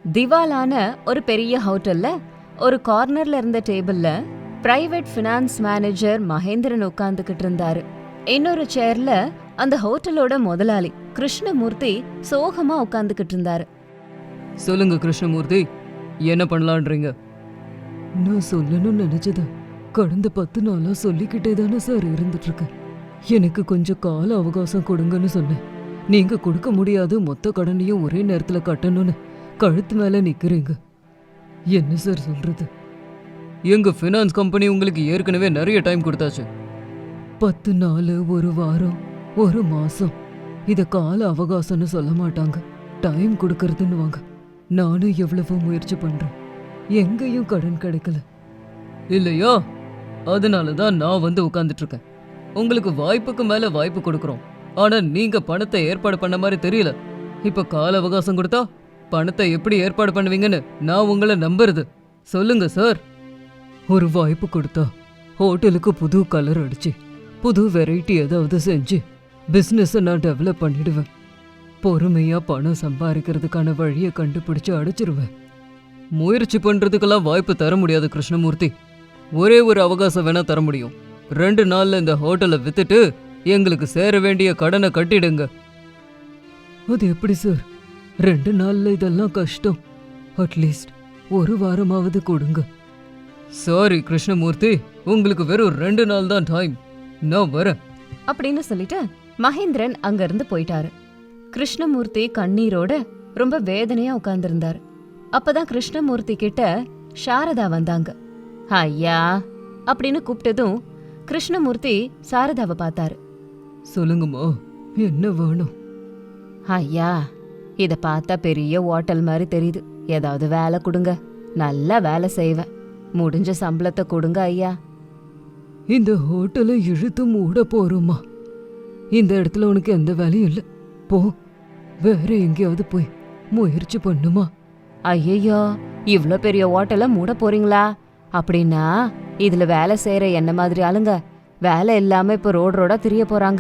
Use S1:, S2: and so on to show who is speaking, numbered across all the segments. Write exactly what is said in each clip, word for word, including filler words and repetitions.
S1: திவாலான ஒரு பெரிய ஹோட்டல்ல ஒரு கார்னர்ல இருந்த டேபிள்ல பிரைவேட் ஃபினான்ஸ் மேனேஜர் மகேந்திரன் உட்கார்ந்துகிட்டு இருந்தாரு. இன்னொரு சேர்ல அந்த ஹோட்டலோட முதலாளி கிருஷ்ணமூர்த்தி சோகமா உட்கார்ந்துகிட்டு இருந்தாரு.
S2: சொல்லுங்க கிருஷ்ணமூர்த்தி, என்ன பண்ணலான்றீங்க?
S3: நான் சொல்லணும்னு நினைச்சத கடந்த பத்து நாளா சொல்லிக்கிட்டே தானே சார் இருந்துட்டு இருக்கேன். எனக்கு கொஞ்சம் கால அவகாசம் கொடுங்கன்னு சொன்னேன். நீங்க கொடுக்க முடியாது, மொத்த கடனையும் ஒரே நேரத்துல கட்டணும்னு கழுத்து மேல நிக்கிறீங்க. என்ன சார் சொல்றது?
S2: எங்க ஃபினான்ஸ் கம்பெனி உங்களுக்கு ஏற்கனவே நிறைய டைம் கொடுத்தாச்சு.
S3: பத்து நாள், ஒரு வாரம், ஒரு மாசம், இத கால அவகாசம்னு சொல்ல மாட்டாங்க, டைம் கொடுக்கறதுன்னு வாங்க. நானும் எவ்வளவோ முயற்சி பண்றேன், எங்கேயும் கடன் கிடைக்கல.
S2: இல்லையா? அதனால தான் நான் வந்து உட்கார்ந்துட்டு இருக்கேன். உங்களுக்கு வாய்ப்புக்கு மேல வாய்ப்பு கொடுக்குறோம். ஆனா நீங்க பணத்தை ஏற்பாடு பண்ண மாதிரி தெரியல. இப்ப கால அவகாசம் கொடுத்தா பணத்தை எப்படி ஏற்பாடு பண்ணுவீங்கன்னு நான் உங்களை நம்புறது. சொல்லுங்க சார்.
S3: ஒரு வாய்ப்பு கொடுத்தா ஹோட்டலுக்கு புது கலர் அடிச்சு புது வெரைட்டி ஏதாவது செஞ்சு பிஸ்னஸை நான் டெவலப் பண்ணிடுவேன். பொறுமையா பணம் சம்பாதிக்கிறதுக்கான வழியை கண்டுபிடிச்சு அடைச்சிருவேன்.
S2: முயற்சி பண்றதுக்கெல்லாம் வாய்ப்பு தர முடியாது கிருஷ்ணமூர்த்தி. ஒரே ஒரு அவகாசம் வேணா தர முடியும். ரெண்டு நாள்ல இந்த ஹோட்டலை வித்துட்டு எங்களுக்கு சேர வேண்டிய கடனை கட்டிடுங்க.
S3: அது எப்படி சார்? ரெண்டு நாள்ல இதெல்லாம் கஷ்டம். அட்லீஸ்ட் ஒரு வாரமாவது கொடுங்க.
S2: சாரி கிருஷ்ணமூர்த்தி, உங்களுக்கு வெறும் ரெண்டு நாள் தான் டைம். நான் வரேன்
S1: அப்படின்னு சொல்லிட்டு மகேந்திரன் அங்க இருந்து போயிட்டாரு. கிருஷ்ணமூர்த்தி கண்ணீரோட ரொம்ப வேதனையா உட்கார்ந்திருந்தாரு. அப்பதான் கிருஷ்ணமூர்த்தி கிட்ட சாரதா வந்தாங்க. ஐயா அப்படின்னு கூப்பிட்டதும் கிருஷ்ணமூர்த்தி சாரதாவை பார்த்தாரு.
S3: சொல்லுங்கம்மா, என்ன வேணும்?
S1: ஐயா, இத பார்த்தா பெரிய ஹோட்டல் மாதிரி தெரியுது. ஏதாவது வேலை கொடுங்க, நல்லா வேலை செய்வேன். முடிஞ்ச சம்பளத்தை கொடுங்க ஐயா.
S3: இந்த ஹோட்டலை இழுத்து மூட போறோமா? இந்த இடத்துல உனக்கு எந்த வேலையும் இல்லை. போ, வேற எங்கேயாவது போய் முயற்சி பண்ணுமா.
S1: ஐயோ, இவ்ளோ பெரிய ஹோட்டலை மூட போறீங்களா? அப்படின்னா இதுல வேலை செய்யற என்ன மாதிரி ஆளுங்க வேலை இல்லாம இப்ப ரோடு ரோடா திரிய போறாங்க.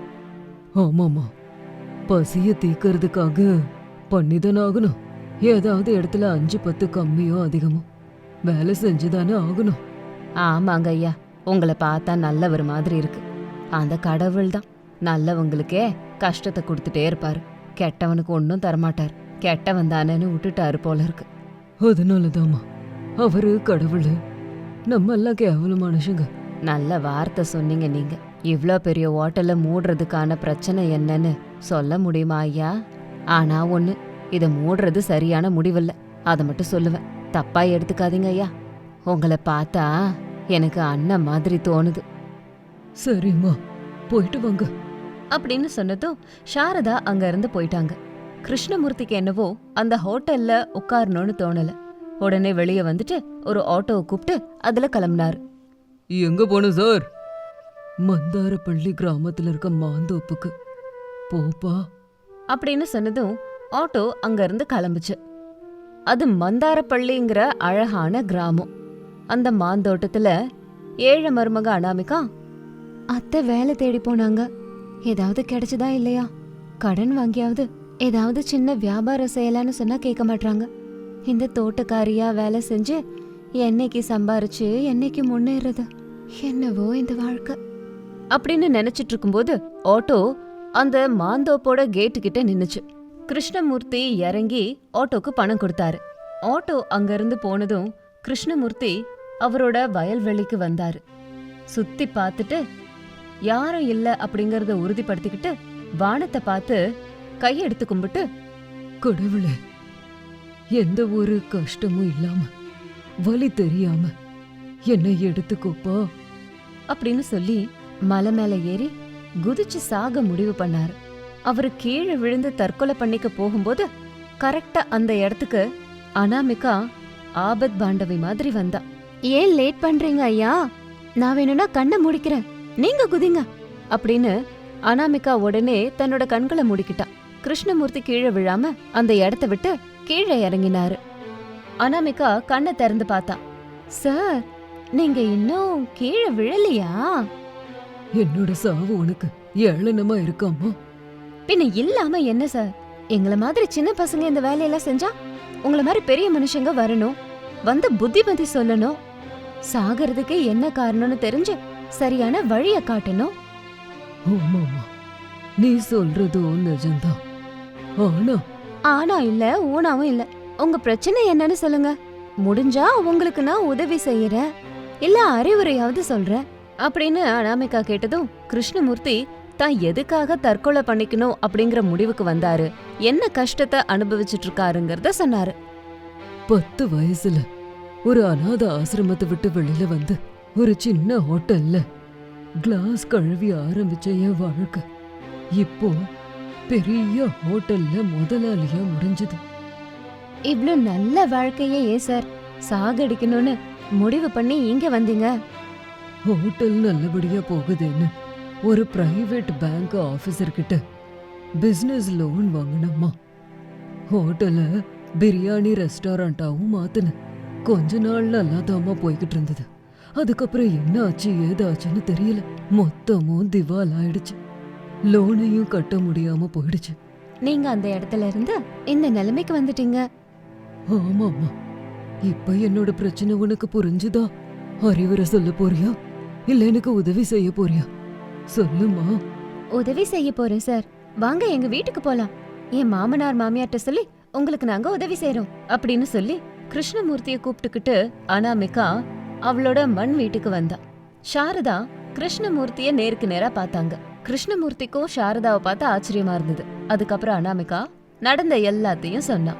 S3: ஆமாமா, பசிய தீக்கிறதுக்காக பண்ணிதானே ஆகணும். ஏதாவது இடத்துல அஞ்சு பத்து கம்மியோ அதிகமோ வேலை செஞ்சுதானே ஆகணும்.
S1: ஆமாங்க ஐயா, உங்களை பார்த்தா நல்லவர் மாதிரி இருக்கு. அந்த கடவுள் தான் நல்லவங்களுக்கே கஷ்டத்தை கொடுத்துட்டே இருப்பாரு. கெட்டவனுக்கு ஒன்னும் தரமாட்டார். கெட்டவன் தானேன்னு விட்டுட்டாரு போல இருக்கு.
S3: அதனாலதாம்மா அவரு கடவுள், நம்ம எல்லாம் கேவல மனுஷங்க.
S1: நல்ல வார்த்தை சொன்னீங்க நீங்க. இவ்ளோ பெரிய ஹோட்டலை மூடுறதுக்கான பிரச்சனை என்னன்னு சொல்ல முடியுமா ஐயா? ஆனா ஒண்ணு, இத மூடுறது சரியான முடிவில்ல, அதை மட்டும் சொல்லுவேன். தப்பா எடுத்துக்காதீங்க ஐயா. உங்களை பார்த்தா எனக்கு அண்ணன் மாதிரி தோணுது.
S3: சரிம்மா, போயிட்டு வாங்க
S1: அப்படின்னு சொன்னதும் சாரதா அங்க இருந்து போயிட்டாங்க. கிருஷ்ணமூர்த்திக்கு என்னவோ அந்த ஹோட்டல்ல உட்காரணும்னு தோணல. உடனே வெளியே வந்துட்டு ஒரு ஆட்டோவை கூப்பிட்டு அதுல கிளம்பினாரு.
S2: எங்க போகணும் சார்?
S3: மந்தாரப்பள்ளி கிராமத்துல இருக்க மாந்தோப்புக்கு போப்பா
S1: அப்படின்னு சொன்னதும் ஆட்டோ அங்க இருந்து கிளம்புச்சு. அது மந்தாரப்பள்ளிங்கிற அழகான கிராமம். அந்த மாந்தோட்டத்துல ஏழை மருமக அனாமிகா அத்தை வேலை தேடி போனாங்க. ஏதாவது கிடைச்சதா இல்லையா? கடன் வாங்கியாவது ஏதாவது சின்ன வியாபாரம் செய்யலான்னு சொன்னா கேட்க மாட்டாங்க. இந்த தோட்டக்காரியா வேலை செஞ்சு என்னைக்கு சம்பாரிச்சு என்னைக்கு முன்னேறது, என்னவோ இந்த வாழ்க்கை அப்படின்னு நினைச்சிட்டு இருக்கும்போது ஆட்டோ அந்த மாந்தோப்போட கேட்டு கிட்ட நின்னுச்சு. கிருஷ்ணமூர்த்தி இறங்கி ஆட்டோக்கு பணம் கொடுத்தாரு. ஆட்டோ அங்கிருந்து போனதும் கிருஷ்ணமூர்த்தி அவரோட வயல்வெளிக்கு வந்தாரு. சுத்தி பார்த்துட்டு யாரும் இல்ல அப்படிங்கறத உறுதிப்படுத்திக்கிட்டு வானத்தை பார்த்து கையெடுத்து கும்பிட்டு,
S3: கடவுளே, எந்த ஒரு கஷ்டமும் இல்லாம வலி தெரியாம என்னை எடுத்துக்கோப்பா
S1: அப்படின்னு சொல்லி மலை மேல ஏறி குதிச்சு சாக முடிவு பண்ணாரு. அவரு கீழே விழுந்து தற்கொலை பண்ணிக்க போகும்போது கரெக்டா அந்த இடத்துக்கு அனாமிகா ஆபத் பாண்டவி மாதிரி வந்தா. ஏன் லேட் பண்றீங்க ஐயா? நான் வேணும்னா கண்ணை முடிக்கிறேன், நீங்க குதிங்க அப்படின்னு அனாமிகா உடனே தன்னோட கண்களை மூடிக்கிட்டா. கிருஷ்ணமூர்த்தி கீழே விழாம அந்த இடத்த விட்டு கீழே இறங்கினாரு. அனாமிகா கண்ணை திறந்து பார்த்தா. சார், நீங்க இன்னும் கீழே விழலையா?
S3: என்னோட சாவு உனக்கு ஏளனமா இருக்காமா?
S1: பின்ன இல்லாம என்ன சார்? எங்கள மாதிரி சின்ன பசங்க இந்த வேலையெல்லாம் செஞ்சா உங்களை மாதிரி பெரிய மனுஷங்க வரணும், வந்து புத்திமதி சொல்லணும், சாகிறதுக்கு என்ன காரணம்னு தெரிஞ்சு சரியான வழிய காட்டணும்.
S3: ஆமாமா, நீ சொல்றதும் நிஜம்தான். ஆனா
S1: ஆனா இல்ல ஊனாவும் இல்ல. உங்க பிரச்சனை என்னன்னு சொல்லுங்க. முடிஞ்சா உங்களுக்கு நான் உதவி செய்யறேன், இல்ல அறிவுரையாவது சொல்றேன் அப்படின்னு அனாமிகா கேட்டதும் கிருஷ்ணமூர்த்தி தான் எதுக்காக தற்கொலை பண்ணிக்கணும் அப்படிங்கிற முடிவுக்கு வந்தாரு, என்ன கஷ்டத்தை அனுபவிச்சுட்டு இருக்காருங்கிறத சொன்னாரு.
S3: பத்து வயசுல ஒரு அநாத ஆசிரமத்தை விட்டு வெளியில வந்து ஒரு சின்ன ஹோட்டல்ல கிளாஸ் கழுவி ஆரம்பிச்ச என் வாழ்க்கை இப்போ பெரிய ஹோட்டல்ல முதலாளியா முடிஞ்சது.
S1: இவ்ளோ நல்ல வாழ்க்கையே ஏன் சார் சாகடிக்கணும்னு முடிவு பண்ணி இங்க வந்தீங்க?
S3: ஹோட்டல் நல்லபடியா போகுதுன்னு ஒரு பிரைவேட் பேங்க் ஆபீசர் கிட்ட பிசினஸ் லோன் வாங்கினம்மா. ஹோட்டலை பிரியாணி ரெஸ்டாரண்டாவும் மாத்தின. கொஞ்ச நாள் நல்லா தாமா போய்கிட்டு இருந்தது. அதுக்கப்புறம் என்ன ஆச்சு ஏதாச்சுன்னு தெரியல. மொத்தமும் திவால் ஆயிடுச்சு. லோனையும் கட்ட முடியாம போயிடுச்சு.
S1: நீங்க அந்த இடத்துல இருந்து இந்த நிலைமைக்கு வந்துட்டீங்க.
S3: ஆமாமா, இப்ப என்னோட பிரச்சனை உனக்கு புரிஞ்சுதா? அறிவுரை சொல்ல போறியா இல்ல எனக்கு உதவி செய்ய போறியா? சொல்லுமா.
S1: உதவி செய்ய போறேன் சார், வாங்க எங்க வீட்டுக்கு போலாம். என் மாமனார் மாமியார்ட்ட சொல்லி உங்களுக்கு நாங்க உதவி செய்யறோம் அப்படின்னு சொல்லி கிருஷ்ணமூர்த்திய கூப்பிட்டுக்கிட்டு அனாமிகா அவளோட மண் வீட்டுக்கு வந்தா. சாரதா கிருஷ்ணமூர்த்திய நேருக்கு நேரா பார்த்தாங்க. கிருஷ்ணமூர்த்திக்கும் சாரதாவை பார்த்து ஆச்சரியமா இருந்தது. அதுக்கப்புறம் அனாமிகா நடந்த எல்லாத்தையும் சொன்னா.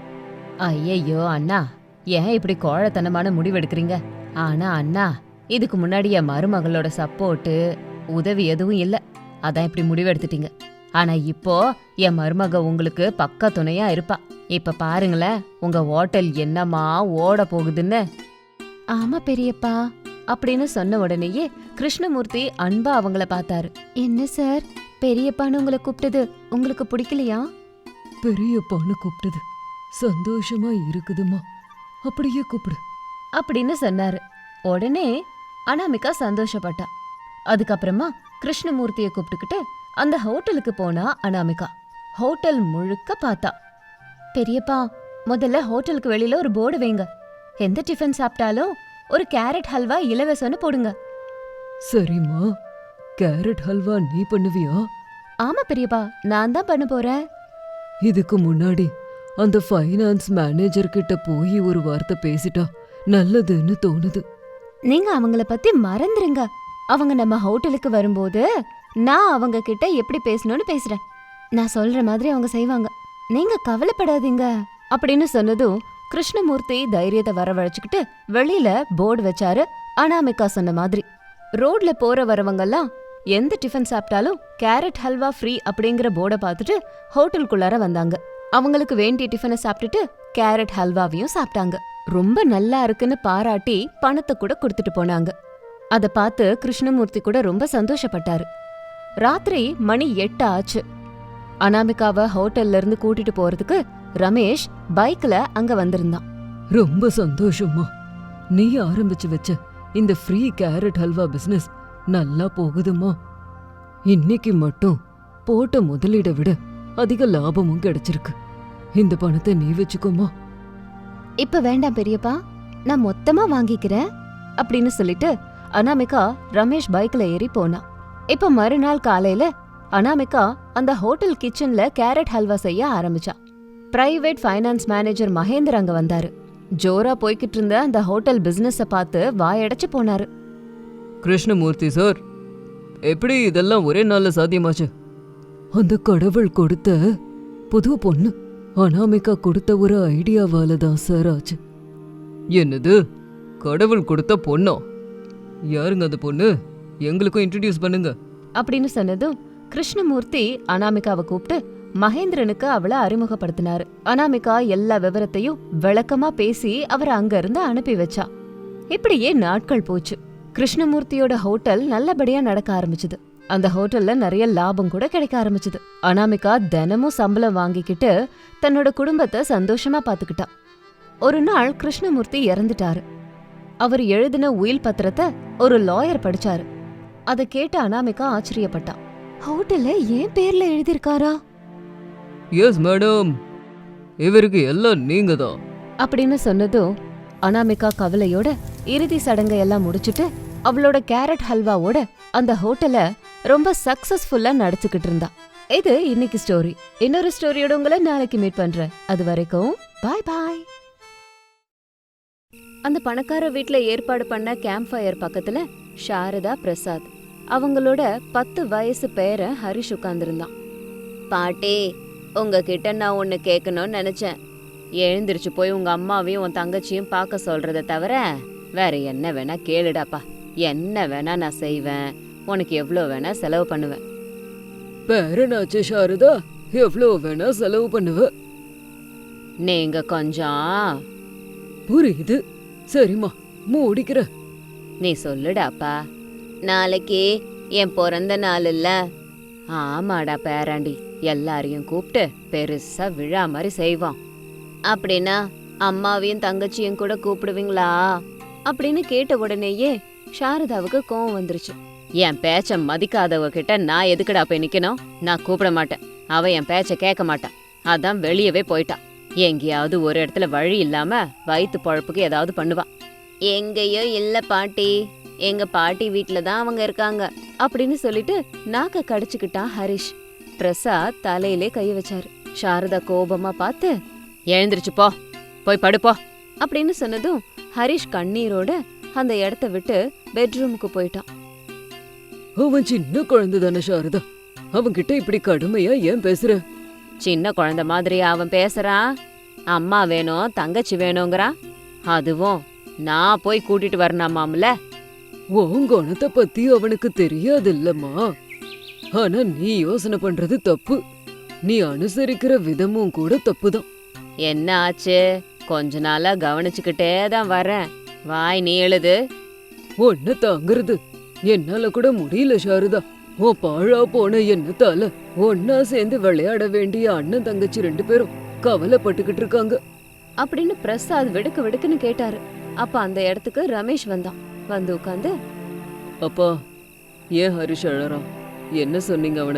S1: ஐயையோ அண்ணா, ஏன் இப்படி கோழத்தனமான முடிவெடுக்கிறீங்க? ஆனா அண்ணா, இதுக்கு முன்னாடி என் மருமகளோட சப்போர்ட்டு உதவி எதுவும் இல்ல, அதான் இப்படி முடிவெடுத்துட்டீங்க. ஆனா இப்போ என் மருமக உங்களுக்கு பக்க துணையா இருப்பா. இப்ப பாருங்களேன் உங்க ஹோட்டல் என்னமா ஓட போகுதுன்னு. ஆமா பெரியப்பா அப்படின்னு சொன்ன உடனேயே கிருஷ்ணமூர்த்தி அன்பா அவங்கள பார்த்தாரு. என்ன சார், பெரியப்பான்னு உங்களை கூப்பிட்டது உங்களுக்கு பிடிக்கலையா?
S3: பெரியப்பான்னு கூப்பிட்டது சந்தோஷமா இருக்குதுமா, அப்படியே கூப்பிடு
S1: அப்படின்னு சொன்னாரு. உடனே அனாமிகா சந்தோஷப்பட்டா. அதுக்கப்புறமா கிருஷ்ணமூர்த்திய கூப்பிட்டுக்கிட்டு அந்த ஹோட்டலுக்கு போனா அனாமிகா. ஹோட்டல் முழுக்க பார்த்தா. பெரியப்பா, முதல்ல ஹோட்டலுக்கு வெளியில ஒரு போர்டு வைங்க. எந்த டிஃபன் சாப்பிட்டாலும் ஒரு கேரட் ஹல்வா இலவசம்னு போடுங்க.
S3: சரிம்மா. கேரட் ஹல்வா நீ பண்ணுவியா?
S1: ஆமா பெரியப்பா, நான் தான் பண்ண போறேன்.
S3: இதுக்கு முன்னாடி அந்த ஃபைனான்ஸ் மேனேஜர் கிட்ட போய் ஒரு வார்த்தை பேசிட்டா நல்லதுன்னு தோணுது.
S1: நீங்க அவங்கள பத்தி மறந்துருங்க. அவங்க நம்ம ஹோட்டலுக்கு வரும்போது நான் அவங்க கிட்ட எப்படி பேசணும்னு பேசுறேன். நான் சொல்ற மாதிரி அவங்க செய்வாங்க, நீங்க கவலைப்படாதீங்க அப்படின்னு சொன்னதும் கிருஷ்ணமூர்த்தி தைரியத்தை வரவழைச்சுக்கிட்டு வெளியில போர்டு வச்சாரு. அனாமிகா சொன்ன மாதிரி ரோட்ல போற வரவங்கெல்லாம் எந்த டிஃபன் சாப்பிட்டாலும் கேரட் ஹல்வா ஃப்ரீ அப்படிங்கிற போர்டை பார்த்துட்டு ஹோட்டலுக்குள்ளார வந்தாங்க. அவங்களுக்கு வேண்டிய டிஃபனை சாப்பிட்டுட்டு கேரட் ஹல்வாவையும் சாப்பிட்டாங்க. ரொம்ப நல்லா இருக்குன்னு பாராட்டி பணத்தை கூட கொடுத்துட்டு போனாங்க. அத பார்த்து கிருஷ்ணமூர்த்தி கூட ரொம்ப சந்தோஷப்பட்டாரு. ராத்திரி மணி எட்டு ஆச்சு. அனாமிகாவை ஹோட்டல்ல இருந்து கூட்டிட்டு போறதுக்கு ரமேஷ் பைக்ல அங்க வந்திருந்தான்.
S3: ரொம்ப சந்தோஷமா. நீ ஆரம்பிச்சு வச்ச இந்த ஃப்ரீ கேரட் ஹல்வா பிசினஸ் நல்லா போகுதுமா. இன்னைக்கு மட்டும் போட்ட முதலீடை விட அதிக லாபமும் கிடைச்சிருக்கு. இந்த பணத்தை நீ வச்சுக்கோமா.
S1: இப்ப வேண்டாம் பெரியப்பா, நான் மொத்தமா வாங்கிக்கிறேன் அப்படின்னு சொல்லிட்டு அனாமிகா ரமேஷ் பைக்ல ஏறி போனா. இப்ப மறுநாள் காலையில அனாமிகா அந்த ஹோட்டல் கிச்சன்ல கேரட் ஹல்வா செய்ய ஆரம்பிச்சா. பிரைவேட் ஃபைனான்ஸ் மேனேஜர் மகேந்தர் அங்க வந்தாரு. ஜோரா போய்கிட்டு இருந்த அந்த ஹோட்டல் பிசினஸ பார்த்து வாயடைச்சு போனாரு.
S2: கிருஷ்ணமூர்த்தி சார், எப்படி இதெல்லாம் ஒரே நாள்ல சாத்தியமாச்சு?
S3: அந்த கடவுள் கொடுத்த புது பொண்ணு அனாமிகா கொடுத்த ஒரு ஐடியாவால தான் சார் ஆச்சு.
S2: என்னது, கடவுள் கொடுத்த பொண்ணோ? யாருங்க அந்த பொண்ணு? எங்களுக்கும் இன்ட்ரடியூஸ் பண்ணுங்க
S1: அப்படின்னு சொன்னதும் கிருஷ்ணமூர்த்தி அனாமிகாவை கூப்பிட்டு மகேந்திரனுக்கு அவளை அறிமுகப்படுத்தினாரு. அனாமிகா எல்லா விவரத்தையும் விளக்கமா பேசி அவரை அங்க இருந்து அனுப்பி வச்சா. இப்படியே நாட்கள் போச்சு. கிருஷ்ணமூர்த்தியோட ஹோட்டல் நல்லபடியா நடக்க ஆரம்பிச்சுது. அந்த ஹோட்டல்ல நிறைய லாபம் கூட கிடைக்க ஆரம்பிச்சுது. அனாமிகா தினமும் சம்பளம் வாங்கிக்கிட்டு தன்னோட குடும்பத்தை சந்தோஷமா பாத்துக்கிட்டா. ஒரு நாள் கிருஷ்ணமூர்த்தி இறந்துட்டாரு. அவர் எழுதின உயில் பத்திரத்தை ஒரு லாயர் படிச்சாரு. அதை கேட்டு அனாமிகா ஆச்சரியப்பட்டா. ஹோட்டல்ல ஏன் பேர்ல எழுதிருக்காரா
S2: எஸ் மேடம், இவருக்கு எல்லாம் நீங்க தான்
S1: அப்படின்னு சொன்னதும் அனாமிகா கவலையோட இறுதி சடங்கை எல்லாம் முடிச்சிட்டு அவளோட கேரட் ஹல்வாவோட அந்த ஹோட்டலை ரொம்ப சக்சஸ்ஃபுல்லா நடத்திக்கிட்டு இருந்தா. இது இன்னைக்கு ஸ்டோரி. இன்னொரு ஸ்டோரியோட உங்களை நாளைக்கு மீட் பண்றேன். அது வரைக்கும் பாய் பாய். அந்த பணக்கார வீட்ல ஏற்பாடு பண்ண கேம்ப் ஃபயர் பக்கத்துல சாரதா பிரசாத் அவங்களோட பத்து வயசு பேரன் ஹரிஷ் உட்கார்ந்திருந்தான். பாட்டி, உங்ககிட்ட நான் ஒன்னு கேட்கணும்னு நினைச்சேன். எழுந்திருச்சு போய் உங்க அம்மாவையும் உன் தங்கச்சியும் பார்க்க சொல்றத தவிர வேற என்ன வேணா கேளுடாப்பா. என்ன வேணா நான் செய்வேன். உனக்கு எவ்வளோ வேணா செலவு பண்ணுவேன்.
S3: பேரனாச்சு சாரதா, எவ்வளோ வேணா செலவு பண்ணுவ.
S1: நீங்க கொஞ்சம்
S3: புரியுது. சரிம்மா, மூடிக்கிற.
S1: நீ சொல்லுடாப்பா. நாளைக்கு என் பிறந்த நாள் இல்ல? ஆமாடா பேராண்டி, எல்லாரையும் கூப்பிட்டு பெருசா விழா மாதிரி செய்வோம். அப்படின்னா அம்மாவையும் தங்கச்சியும் கூட கூப்பிடுவீங்களா அப்படின்னு கேட்ட உடனேயே சாரதாவுக்கு கோவம் வந்துருச்சு. என் பேச்ச மதிக்காதவ கிட்ட நான் எதுக்குடா போய் நிக்கணும்? நான் கூப்பிட மாட்டேன். அவ என் பேச்ச கேட்க மாட்டான். அதான் வெளியவே போயிட்டான். எங்கேயாவது ஒரு இடத்துல வழி இல்லாம வயிற்று பழப்புக்கு ஏதாவது பண்ணுவா. எங்கேயோ இல்ல பாட்டி, எங்க பாட்டி வீட்டுல தான் அவங்க இருக்காங்க அப்படின்னு சொல்லிட்டு நாக்க கடிச்சுக்கிட்டான் ஹரிஷ். பிரசாத் தலையிலே கை வச்சாரு. சாரதா கோபமா பார்த்து, எழுந்திருச்சு போ, போய் படுப்போ அப்படின்னு சொன்னதும் ஹரிஷ் கண்ணீரோட அந்த இடத்த விட்டு பெட்ரூமுக்கு போயிட்டான்.
S3: அவன் சின்ன குழந்தை தானே சாரதா, அவன்கிட்ட இப்படி கடுமையா ஏன் பேசுற?
S1: சின்ன குழந்தை மாதிரி அவன் பேசுறான். அம்மா வேணும், தங்கச்சி வேணுங்கிறான். அதுவும் நான் போய் கூட்டிட்டு வரணுமாம்ல.
S3: உன் குணத்தை பத்தி அவனுக்கு தெரியாதில்லம்மா. ஆனா நீ யோசனை பண்றது தப்பு. நீ அனுசரிக்கிற விதமும் கூட தப்புதான்.
S1: என்ன ஆச்சு? கொஞ்ச நாளா கவனிச்சுக்கிட்டே தான் வரேன். வாய் நீ எழுது.
S3: ஒன்ன தாங்கிறது என்னால கூட முடியல சாரதா. உன் பாழா போன எண்ணத்தால ஒன்னா சேர்ந்து விளையாட வேண்டிய அண்ணன் தங்கச்சி ரெண்டு பேரும் கவலைப்பட்டுக்கிட்டு இருக்காங்க
S1: அப்படின்னு பிரசாத் வெடுக்கு வெடுக்குன்னு கேட்டாரு. அப்ப அந்த இடத்துக்கு ரமேஷ் வந்தான். வந்து உட்காந்து,
S3: அப்பா, ஏன் ஹரிஷ் அழறான்? என்ன சொன்னீங்க அவன?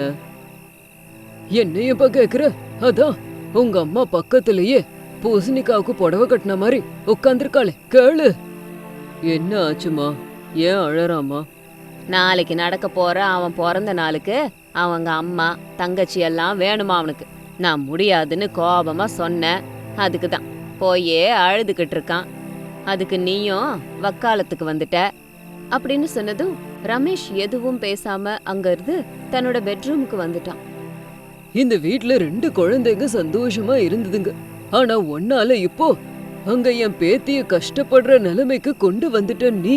S3: என்னையப்பா கேக்குற? அதான் உங்க அம்மா பக்கத்திலேயே பூசணிக்காவுக்கு புடவை கட்டின மாதிரி உட்காந்துருக்காளே, கேளு. என்ன ஆச்சுமா? ஏன் அழறாமா?
S1: நாளைக்கு நடக்க போற அவன் பிறந்த நாளுக்கு அவங்க அம்மா தங்கச்சி எல்லாம் வேணுமா அவனுக்கு. நான் முடியாதுன்னு கோபமா சொன்னேன். அதுக்கு தான் போயே அழுதுகிட்டு இருக்கான். அதுக்கு நீயும் வக்காலத்துக்கு வந்துட்ட அப்படின்னு சொன்னதும் ரமேஷ் எதுவும் பேசாம அங்க இருந்து தன்னோட பெட்ரூமுக்கு வந்துட்டான்.
S3: இந்த வீட்ல ரெண்டு குழந்தைங்க சந்தோஷமா இருந்ததுங்க. ஆனா ஒன்னால இப்போ அங்க என் பேத்திய கஷ்டப்படுற நிலைமைக்கு கொண்டு வந்துட்ட நீ.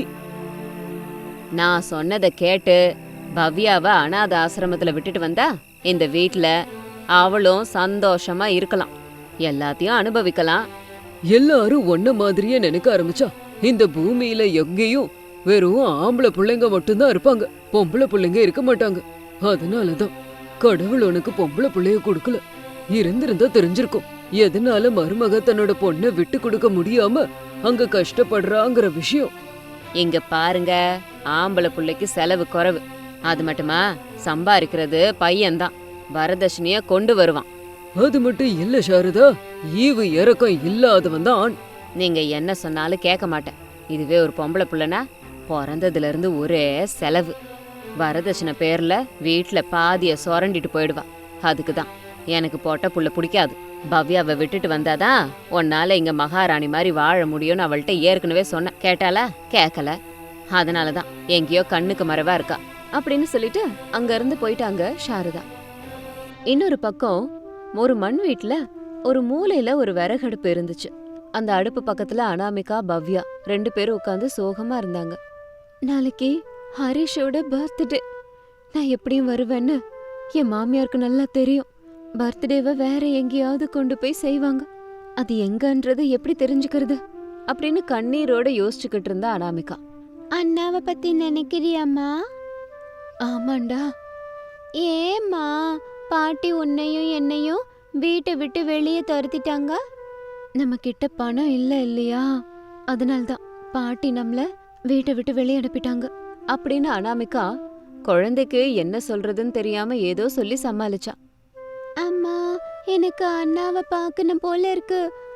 S1: நான் சொன்னதை கேட்டு பவ்யாவை அனாத ஆசிரமத்துல விட்டுட்டு வந்தா இந்த வீட்ல அவளும் சந்தோஷமா இருக்கலாம், எல்லாத்தையும் அனுபவிக்கலாம்.
S3: எல்லாரும் ஒன்ன மாதிரியே நினைக்க ஆரம்பிச்சா இந்த பூமியில எங்கேயும் வெறும் ஆம்பளை பிள்ளைங்க மட்டும்தான் இருப்பாங்க, பொம்பளை பிள்ளைங்க இருக்க மாட்டாங்க. அதனாலதான் கடவுள் உனக்கு பொம்பளை பிள்ளைய கொடுக்கல. இருந்திருந்தா தெரிஞ்சிருக்கும் எதனால மருமக தன்னோட பொண்ணை விட்டு கொடுக்க முடியாம அங்க கஷ்டப்படுறாங்கிற விஷயம்.
S1: இங்க பாருங்க, ஆம்பளை பிள்ளைக்கு செலவு குறைவு. அது மட்டுமா, சம்பாதிக்கிறது பையன்தான், வரதட்சணைய கொண்டு வருவான்.
S3: அது மட்டும் இல்ல சாரதா, ஈவு இறக்கம் இல்லாதவன் தான் ஆண்.
S1: நீங்க என்ன சொன்னாலும் கேட்க மாட்டேன். இதுவே ஒரு பொம்பளை பிள்ளைனா பிறந்ததுல இருந்து ஒரே செலவு. வரதட்சணை பேர்ல வீட்டுல பாதிய சுரண்டிட்டு போயிடுவா. அதுக்குதான் எனக்கு போட்ட புள்ள பிடிக்காது. பவ்யாவை விட்டுட்டு வந்தாதான் உன்னால இங்க மகாராணி மாதிரி வாழ முடியும்னு அவள்கிட்ட ஏற்கனவே சொன்னேன். கேட்டாளா? கேட்கல. அதனாலதான் எங்கேயோ கண்ணுக்கு மறைவா இருக்கா அப்படின்னு சொல்லிட்டு அங்க இருந்து போயிட்டாங்க சாரதா. இன்னொரு பக்கம் ஒரு மண் வீட்டுல ஒரு மூலையில ஒரு விறகடுப்பு இருந்துச்சு. அந்த அடுப்பு பக்கத்துல அனாமிகா, பவ்யா ரெண்டு பேரும் உட்காந்து சோகமா இருந்தாங்க. நாளைக்கு ஹரிஷோட பர்த்டே. நான் எப்படியும் வருவேன்னு என் மாமியாருக்கு நல்லா தெரியும். பர்த்டேவை வேற எங்கேயாவது கொண்டு போய் செய்வாங்க. அது எங்கன்றது எப்படி தெரிஞ்சுக்கிறது அப்படின்னு கண்ணீரோட யோசிச்சுக்கிட்டு இருந்தா அனாமிகா. அண்ணாவை பத்தி நினைக்கிறியாம்மா? ஆமாண்டா. ஏம்மா பாட்டி உன்னையும் என்னையும் வீட்டை விட்டு வெளியே துரத்திட்டாங்க? நம்ம கிட்ட பணம் இல்ல இல்லையா, அதனால்தான் பாட்டி நம்மள வீட்டை விட்டு வெளியே அனுப்பிட்டாங்க அப்படின்னு அனாமிகா குழந்தைக்கு என்ன சொல்றதுன்னு தெரியாம ஏதோ சொல்லி சமாளிச்சா. அம்மா, எனக்கு அண்ணாவை பார்க்கணும் போல இருக்கு.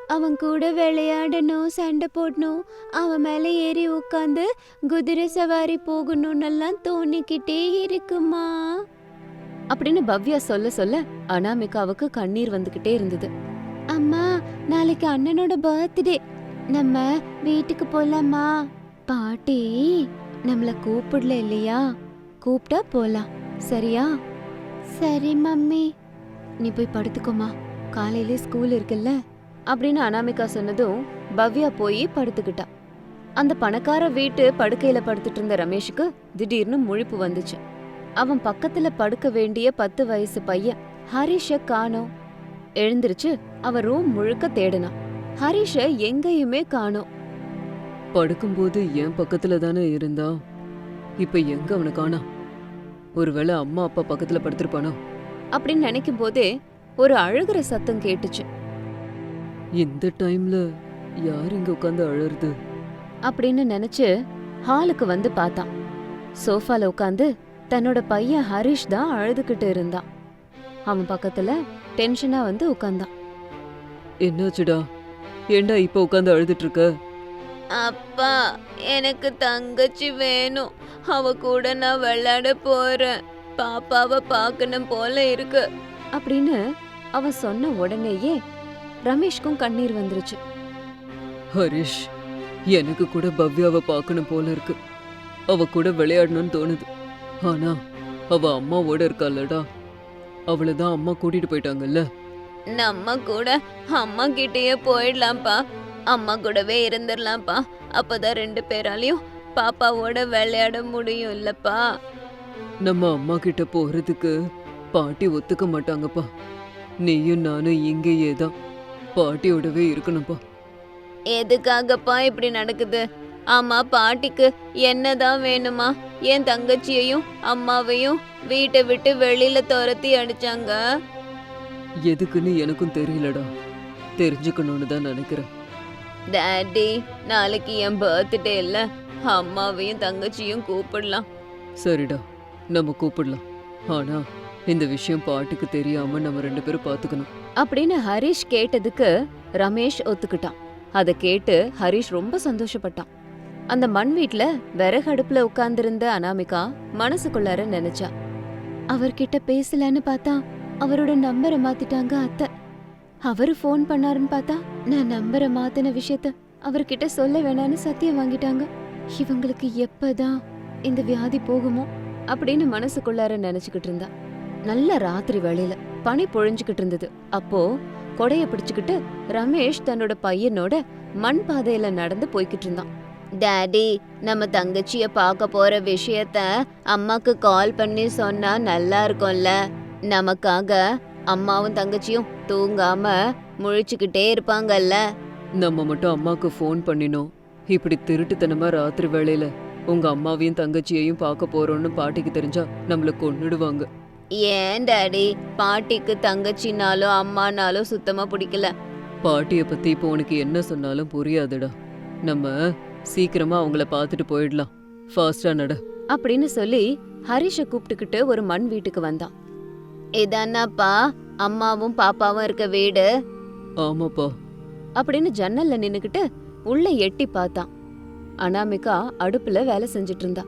S1: அவன் கூட விளையாடணும், சண்டை போடணும், அவன் மேல ஏறி உட்காந்து குதிரை சவாரி போகணும்னெல்லாம் தோணிக்கிட்டே இருக்குமா அப்படின்னு பவ்யா சொல்ல சொல்ல அனாமிகாவுக்கு கண்ணீர் வந்துகிட்டே இருந்தது. அம்மா, நாளைக்கு அண்ணனோட பர்த்டே, நம்ம வீட்டுக்கு போலாமா? பாட்டி நம்மள கூப்பிடல இல்லையா? கூப்பிட்டா போலாம், சரியா? சரி மம்மி, நீ போய் படுத்துக்கோமா, காலையிலே ஸ்கூல் இருக்குல்ல அப்படின்னு அனாமிகா சொன்னதும் பவ்யா போய் படுத்துக்கிட்டா. அந்த பணக்கார வீட்டு படுக்கையில படுத்துட்டு இருந்த ரமேஷுக்கு திடீர்னு முழிப்பு வந்துச்சு. அவன் பக்கத்துல படுக்க வேண்டிய பத்து வயசு பையன் ஹரிஷ காணோம். எழுந்திருச்சு அவன் ரூம் முழுக்க தேடினான். ஹரிஷ எங்கேயுமே காணோம்.
S3: படுக்கும்போது என் பக்கத்துல தானே இருந்தா, இப்ப எங்க அவனை காணா? ஒருவேளை அம்மா அப்பா பக்கத்துல படுத்திருப்பானோ
S1: அப்படின்னு நினைக்கும் போதே ஒரு அழுகிற சத்தம் கேட்டுச்சு.
S3: இந்த டைம்ல யார் இங்க உட்காந்து அழறது
S1: அப்படின்னு நினைச்சு ஹாலுக்கு வந்து பார்த்தான். சோஃபால உட்காந்து தன்னோட பையன் ஹரிஷ் தான் அழுதுகிட்டு இருந்தான். அவன் பக்கத்துல டென்ஷனா வந்து உட்கார்ந்தான்.
S3: என்னாச்சுடா, ஏண்டா இப்ப உட்காந்து அழுதுட்டு இருக்க?
S1: அப்பா, எனக்கு தங்கச்சி வேணும், அவ கூட நான் விளையாட போறேன், பாப்பாவை பார்க்கணும் போல இருக்கு அப்படின்னு அவன் சொன்ன உடனேயே ரமேஷ்க்கும் கண்ணீர் வந்துருச்சு.
S3: ஹரிஷ், எனக்கு கூட பவ்யாவை பார்க்கணும் போல இருக்கு, அவ கூட விளையாடணும்னு தோணுது. ஆனா அவ அம்மாவோட இருக்காளடா, அவளைதான் அம்மா கூட்டிட்டு போயிட்டாங்கல்ல.
S1: நம்ம கூட அம்மா கிட்டேயே போயிடலாம்ப்பா, அம்மா கூடவே இருந்துடலாம்ப்பா, அப்பதான் ரெண்டு பேராலையும் பாப்பாவோட விளையாட முடியும் இல்லப்பா.
S3: நம்ம அம்மா கிட்ட போறதுக்கு பாட்டி ஒத்துக்க மாட்டாங்கப்பா. நீயும் நானும் இங்கேயே தான் பாட்டியோடவே இருக்கணும்ப்பா.
S1: எதுக்காகப்பா இப்படி நடக்குது? ஆமா, பாட்டிக்கு என்னதான் வேணுமா? என் தங்கச்சியையும் அம்மாவையும் வீட்டை விட்டு வெளியில துரத்தி அடிச்சாங்க.
S3: எதுக்குன்னு எனக்கும் தெரியலடா, தெரிஞ்சுக்கணும்னு தான் நினைக்கிறேன்.
S1: டாடி, நாளைக்கு என் பர்த்டே இல்ல, அம்மாவையும் தங்கச்சியும் கூப்பிடலாம்.
S3: சரிடா, நம்ம கூப்பிடலாம். ஆனா இந்த விஷயம் பாட்டிக்கு தெரியாம நம்ம ரெண்டு பேரும் பாத்துக்கணும்
S1: அப்படின்னு ஹரிஷ் கேட்டதுக்கு ரமேஷ் ஒத்துக்கிட்டான். அதை கேட்டு ஹரிஷ் ரொம்ப சந்தோஷப்பட்டான். அந்த மண் வீட்ல விறகு அடுப்புல உட்கார்ந்திருந்த அனாமிகா மனசுக்குள்ளார நினைச்சா, அவர்கிட்ட பேசலான்னு பார்த்தா அவரோட நம்பரை மாத்திட்டாங்க அத்தை. அவரு ஃபோன் பண்ணாருன்னு பார்த்தா நான் நம்பரை மாத்தின விஷயத்த அவர்கிட்ட சொல்ல வேணான்னு சத்தியம் வாங்கிட்டாங்க. இவங்களுக்கு எப்பதான் இந்த வியாதி போகுமோ அப்படின்னு மனசுக்குள்ளார நினைச்சுக்கிட்டு இருந்தா. நல்ல ராத்திரி வேளையில பனி பொழிஞ்சுக்கிட்டு இருந்தது. அப்போ கொடைய பிடிச்சுக்கிட்டு ரமேஷ் தன்னோட பையனோட மண் பாதையில நடந்து போய்கிட்டு இருந்தான். டாடி, நம்ம தங்கச்சிய பார்க்க போற விஷயத்த அம்மாக்கு கால் பண்ணி சொன்னா நல்லா இருக்கும்ல. நமக்காக அம்மாவும் தங்கச்சியும் தூங்காம முழிச்சுக்கிட்டே இருப்பாங்கல்ல.
S3: நம்ம மட்டும் அம்மாக்கு ஃபோன் பண்ணினோம், இப்படி திருட்டுத்தனமா ராத்திரி வேளையில உங்க அம்மாவையும் தங்கச்சியையும் பார்க்க போறோம்னு பாட்டிக்கு தெரிஞ்சா நம்மள கொன்னுடுவாங்க.
S1: ஏன் டாடி, பாட்டிக்கு தங்கச்சினாலும் அம்மானாலும் சுத்தமா பிடிக்கல.
S3: பாட்டிய பத்தி இப்போ உனக்கு என்ன சொன்னாலும் புரியாதுடா. நம்ம சீக்கிரமா அவங்கள பார்த்துட்டு போயிடலாம், ஃபாஸ்டா நட
S1: அப்படின்னு சொல்லி ஹரிஷ கூப்பிட்டுக்கிட்டு ஒரு மண் வீட்டுக்கு வந்தான். இதானாப்பா அம்மாவும் பாப்பாவும் இருக்க வீடு?
S3: ஆமாப்பா
S1: அப்படின்னு ஜன்னல்ல நின்னுக்கிட்டு உள்ள எட்டி பார்த்தான். அனாமிகா அடுப்புல வேலை செஞ்சுட்டு இருந்தா.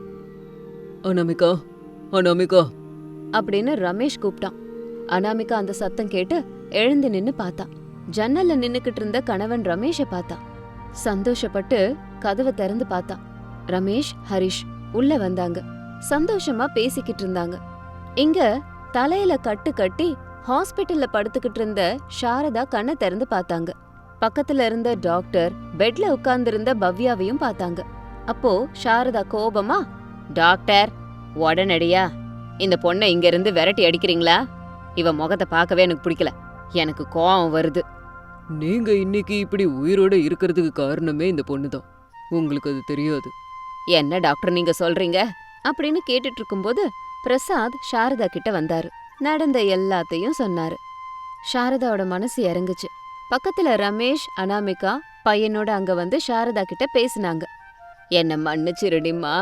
S3: அனாமிகா, அனாமிகா
S1: அப்படின்னு ரமேஷ் கூப்பிட்டான். அனாமிகா அந்த சத்தம் கேட்டு எழுந்து நின்னு பார்த்தா. ஜன்னல்ல நின்னுக்கிட்டு இருந்த கணவன் ரமேஷ பார்த்தா. சந்தோஷப்பட்டு கதவை திறந்து பார்த்தா. ரமேஷ், ஹரிஷ் உள்ள வந்தாங்க. சந்தோஷமா பேசிக்கிட்டு இருந்தாங்க. இங்க தலையில கட்டு கட்டி ஹாஸ்பிட்டல்ல படுத்துக்கிட்டு இருந்த சாரதா கண்ணை திறந்து பார்த்தாங்க. பக்கத்துல இருந்த டாக்டர் பெட்ல உட்கார்ந்திருந்த பவ்யாவையும் பார்த்தாங்க. அப்போ சாரதா கோபமா, டாக்டர், உடனடியா இந்த பொண்ணை இங்க இருந்து விரட்டி அடிக்கிறீங்களா? இவ முகத்தை பார்க்கவே எனக்கு பிடிக்கல, எனக்கு கோவம் வருது.
S3: நீங்க இன்னைக்கு இப்படி உயிரோட இருக்கிறதுக்கு காரணமே இந்த பொண்ணுதான், உங்களுக்கு அது தெரியாது.
S1: என்ன டாக்டர் நீங்க சொல்றீங்க அப்படின்னு கேட்டுட்டு இருக்கும்போது பிரசாத் சாரதா கிட்ட வந்தாரு. நடந்த எல்லாத்தையும் சொன்னாரு. சாரதாவோட மனசு இறங்குச்சு. பக்கத்துல ரமேஷ், அனாமிகா பையனோட அங்க வந்து சாரதா கிட்ட பேசினாங்க. என்ன மன்னிச்சிருடிம்மா,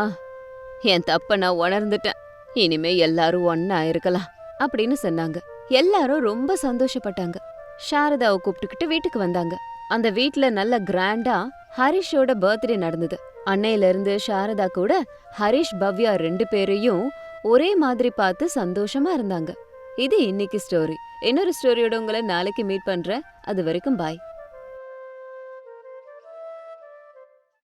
S1: என் தப்ப நான் உணர்ந்துட்டேன், இனிமே எல்லாரும் ஒன்னா இருக்கலாம் அப்படின்னு சொன்னாங்க. எல்லாரும் ரொம்ப சந்தோஷப்பட்டாங்க. சாரதாவை கூப்பிட்டுக்கிட்டு வீட்டுக்கு வந்தாங்க. அந்த வீட்ல நல்ல கிராண்டா ஹரிஷோட பர்த்டே நடந்தது. அன்னையில இருந்து சாரதா கூட ஹரிஷ் பவ்யா ரெண்டு பேரையும் ஒரே மாதிரி பார்த்து சந்தோஷமா இருந்தாங்க. இது இன்னைக்கு ஸ்டோரி. இன்னொரு ஸ்டோரியோட உங்களை நாளைக்கு மீட் பண்றேன். அது வரைக்கும் பாய்.